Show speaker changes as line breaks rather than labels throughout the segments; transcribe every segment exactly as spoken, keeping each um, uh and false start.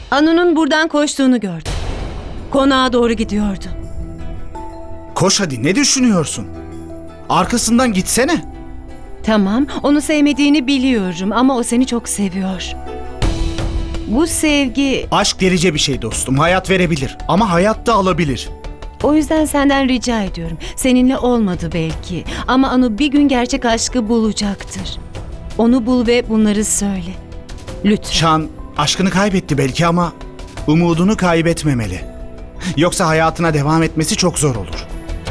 Anu'nun buradan koştuğunu gördüm. Konağa doğru gidiyordu.
Koş hadi, ne düşünüyorsun? Arkasından gitsene.
Tamam, onu sevmediğini biliyorum ama o seni çok seviyor. Bu sevgi,
Aşk delice bir şey dostum. Hayat verebilir ama hayat da alabilir.
o yüzden senden rica ediyorum. Seninle olmadı belki ama Anu bir gün gerçek aşkı bulacaktır. Onu bul ve bunları söyle. Lütfen.
Şan aşkını kaybetti belki ama umudunu kaybetmemeli. Yoksa hayatına devam etmesi çok zor olur.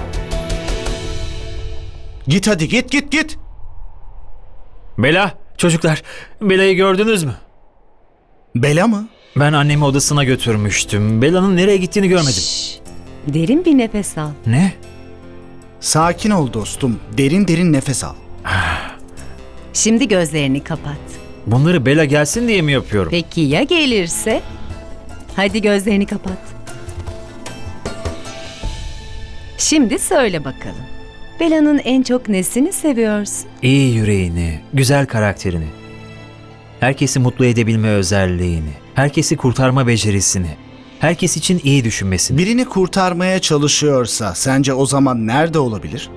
Git hadi, git git git.
Bela, çocuklar, Bela'yı gördünüz mü?
Bela mı?
Ben annemi odasına götürmüştüm. Bela'nın nereye gittiğini görmedim.
Şşş, derin bir nefes al.
Ne?
Sakin ol dostum. Derin derin nefes al.
Şimdi gözlerini kapat.
Bunları Bela gelsin diye mi yapıyorum?
Peki ya gelirse? Hadi gözlerini kapat. Şimdi söyle bakalım. Bela'nın en çok nesini seviyorsun?
İyi yüreğini, güzel karakterini. Herkesi mutlu edebilme özelliğini, herkesi kurtarma becerisini, herkes için iyi düşünmesini.
Birini kurtarmaya çalışıyorsa sence o zaman nerede olabilir?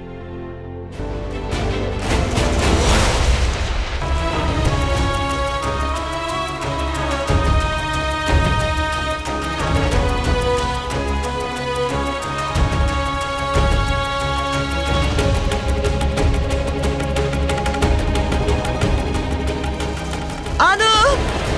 Anu!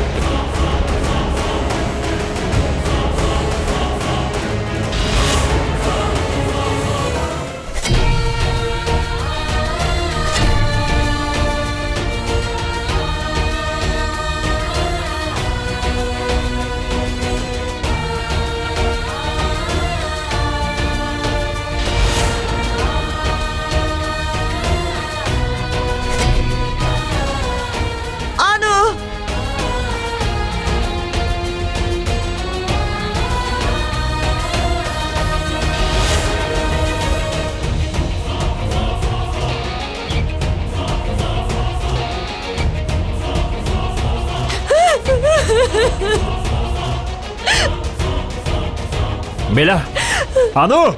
Anu!
Bela! Anu!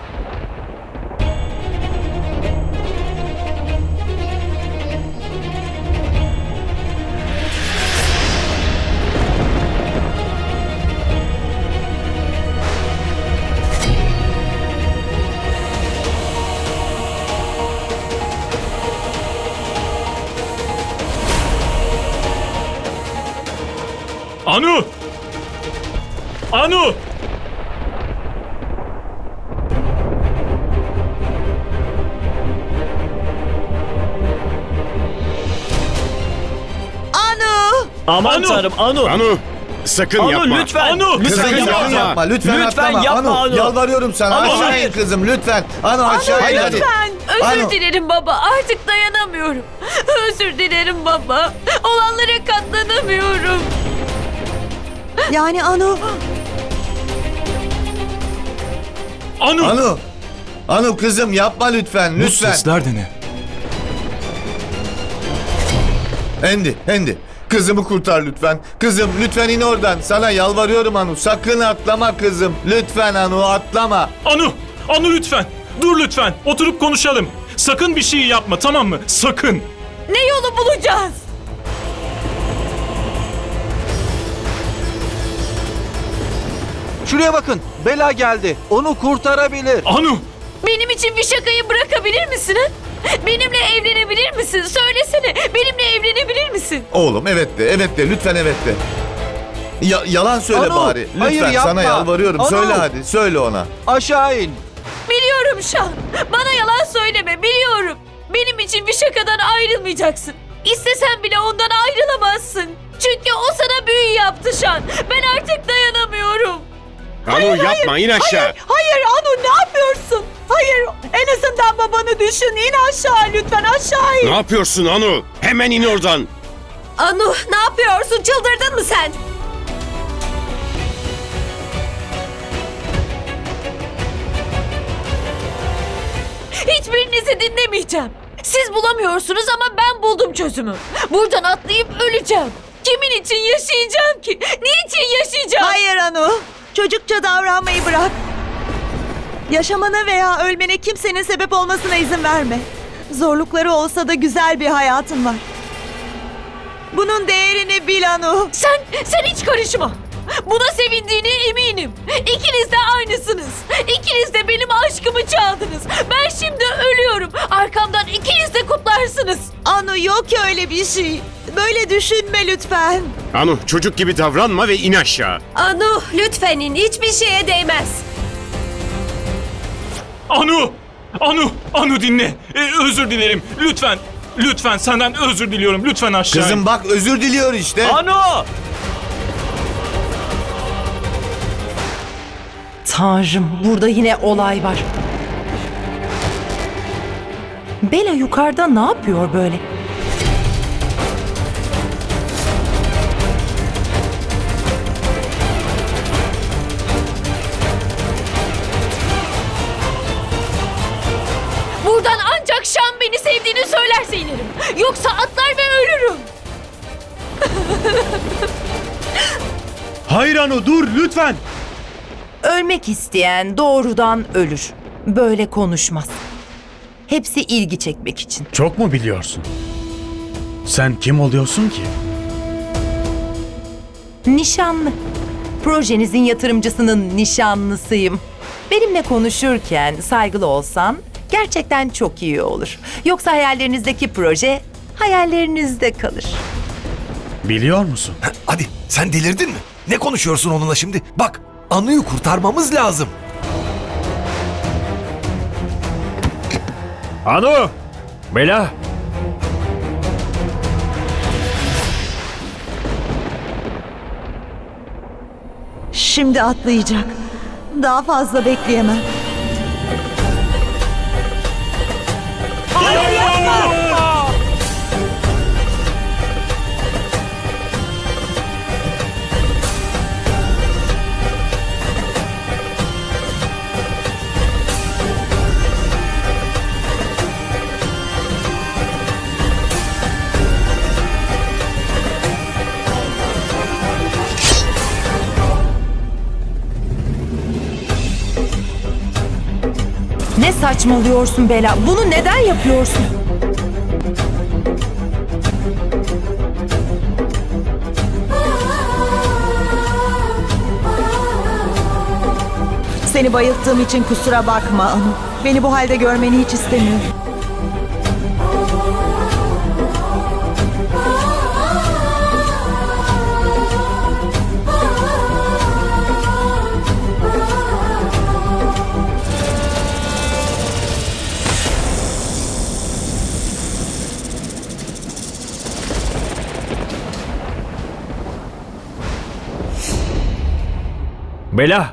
Anu! Anu!
Anu!
Aman
Anu!
tanrım Anu.
Anu sakın
Anu
yapma.
lütfen.
Anu!
Lütfen
Sakın
yapma.
yapma.
Yapma lütfen,
Lütfen
atlama.
yapma
Anu,
Anu.
yalvarıyorum sana.
Anu,
Aşağı
hayır.
in kızım lütfen. Anu aşağı in hadi.
Lütfen! Özür
Anu.
dilerim baba. Artık dayanamıyorum. Özür dilerim baba. Olanlara katlanamıyorum. Yani Anu...
Anu!
Anu. Anu kızım yapma lütfen lütfen.
de ne?
Endi, Endi. Kızımı kurtar lütfen. Kızım lütfen in oradan. Sana yalvarıyorum Anu. Sakın atlama kızım. Lütfen Anu atlama.
Anu! Anu lütfen! Dur lütfen! Oturup konuşalım. Sakın bir şey yapma, tamam mı? Sakın!
Ne yolu bulacağız?
Şuraya bakın. Bela geldi. Onu kurtarabilir.
Anu!
Benim için bir şakayı bırakabilir misin? ha? Benimle evlenebilir misin? Söylesene. Benimle evlenebilir misin?
Oğlum evet de evet de lütfen evet de. Ya, yalan söyle
Anu,
bari. Lütfen
hayır,
sana
yapma.
yalvarıyorum.
Anu.
Söyle hadi. Söyle ona.
Aşağı in.
Biliyorum Şan. Bana yalan söyleme. Biliyorum. Benim için bir şakadan ayrılmayacaksın. İstesen bile ondan ayrılamazsın. Çünkü o sana büyü yaptı Şan. Ben artık dayanamıyorum.
Anu yapma, in aşağı.
Hayır Anu ne yapıyorsun? Hayır en azından babanı düşün. İn aşağı lütfen aşağı in.
Ne yapıyorsun Anu? Hemen in oradan.
Anu ne yapıyorsun? Çıldırdın mı sen? Hiçbirinizi dinlemeyeceğim. Siz bulamıyorsunuz ama ben buldum çözümü. Buradan atlayıp öleceğim. Kimin için yaşayacağım ki? Niçin yaşayacağım?
Hayır Anu. Çocukça davranmayı bırak. Yaşamana veya ölmene kimsenin sebep olmasına izin verme. Zorlukları olsa da güzel bir hayatın var. Bunun değerini bil Anu.
Sen, sen hiç karışma. Buna sevindiğine eminim. İkiniz de aynısınız. İkiniz de benim aşkımı çaldınız. Ben şimdi ölüyorum. Arkamdan ikiniz de kutlarsınız.
Anu yok öyle bir şey. Böyle düşünme lütfen.
Anu çocuk gibi davranma ve in aşağı.
Anu lütfen in. Hiçbir şeye değmez.
Anu! Anu! Anu dinle. Ee, özür dilerim. Lütfen. Lütfen senden özür diliyorum. Lütfen aşağı. in.
Kızım bak özür diliyor işte.
Anu!
Tanrım, burada yine olay var. Bela yukarıda ne yapıyor böyle?
Buradan ancak Şan beni sevdiğini söylerse inerim. Yoksa atlar ve ölürüm.
Hayır Anu dur lütfen.
Ölmek isteyen doğrudan ölür. Böyle konuşmaz. Hepsi ilgi çekmek için.
Çok mu biliyorsun? Sen kim oluyorsun ki?
Nişanlı. Projenizin yatırımcısının nişanlısıyım. Benimle konuşurken saygılı olsan gerçekten çok iyi olur. Yoksa hayallerinizdeki proje hayallerinizde kalır.
Biliyor musun?
Hadi sen delirdin mi? Ne konuşuyorsun onunla şimdi? Bak Anu'yu kurtarmamız lazım.
Anu! Bela!
Şimdi atlayacak. Daha fazla bekleyemem.
Hayır yapma.
Ne saçmalıyorsun Bela? Bunu neden yapıyorsun?
Seni bayılttığım için kusura bakma Anu. Beni bu halde görmeni hiç istemiyorum.
Bela!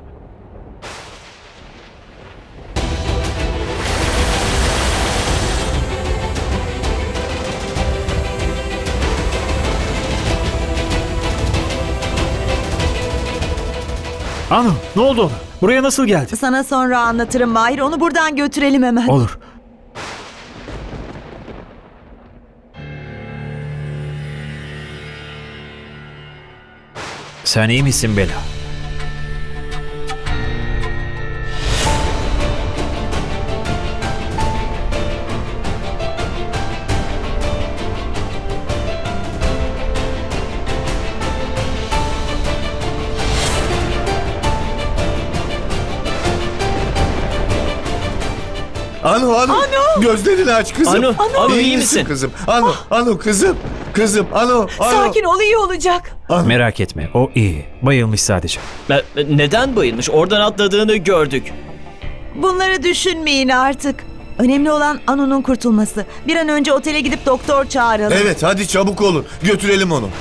Anu ne oldu ona? Buraya nasıl geldi?
Sana sonra anlatırım Mahir. Onu buradan götürelim hemen.
Olur. Sen iyi misin Bela?
Anu, Anu. Gözlerini aç kızım.
Anu, Anu, iyi
misin
misin?
kızım? Anu, Anu kızım. Kızım, Anu, Anu.
Sakin ol, iyi olacak.
Merak etme o iyi. Bayılmış sadece.
E, Neden bayılmış? Oradan atladığını gördük.
Bunları düşünmeyin artık. Önemli olan Anu'nun kurtulması. Bir an önce otele gidip doktor çağıralım.
Evet hadi çabuk olun. Götürelim onu.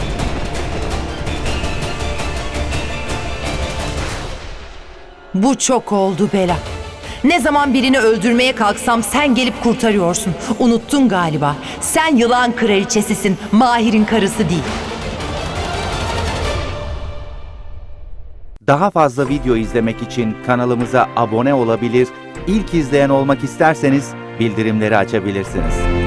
Bu çok oldu Bela. Ne zaman birini öldürmeye kalksam sen gelip kurtarıyorsun. Unuttun galiba. Sen yılan kraliçesisin, Mahir'in karısı değil.
Daha fazla video izlemek için kanalımıza abone olabilir, ilk izleyen olmak isterseniz bildirimleri açabilirsiniz.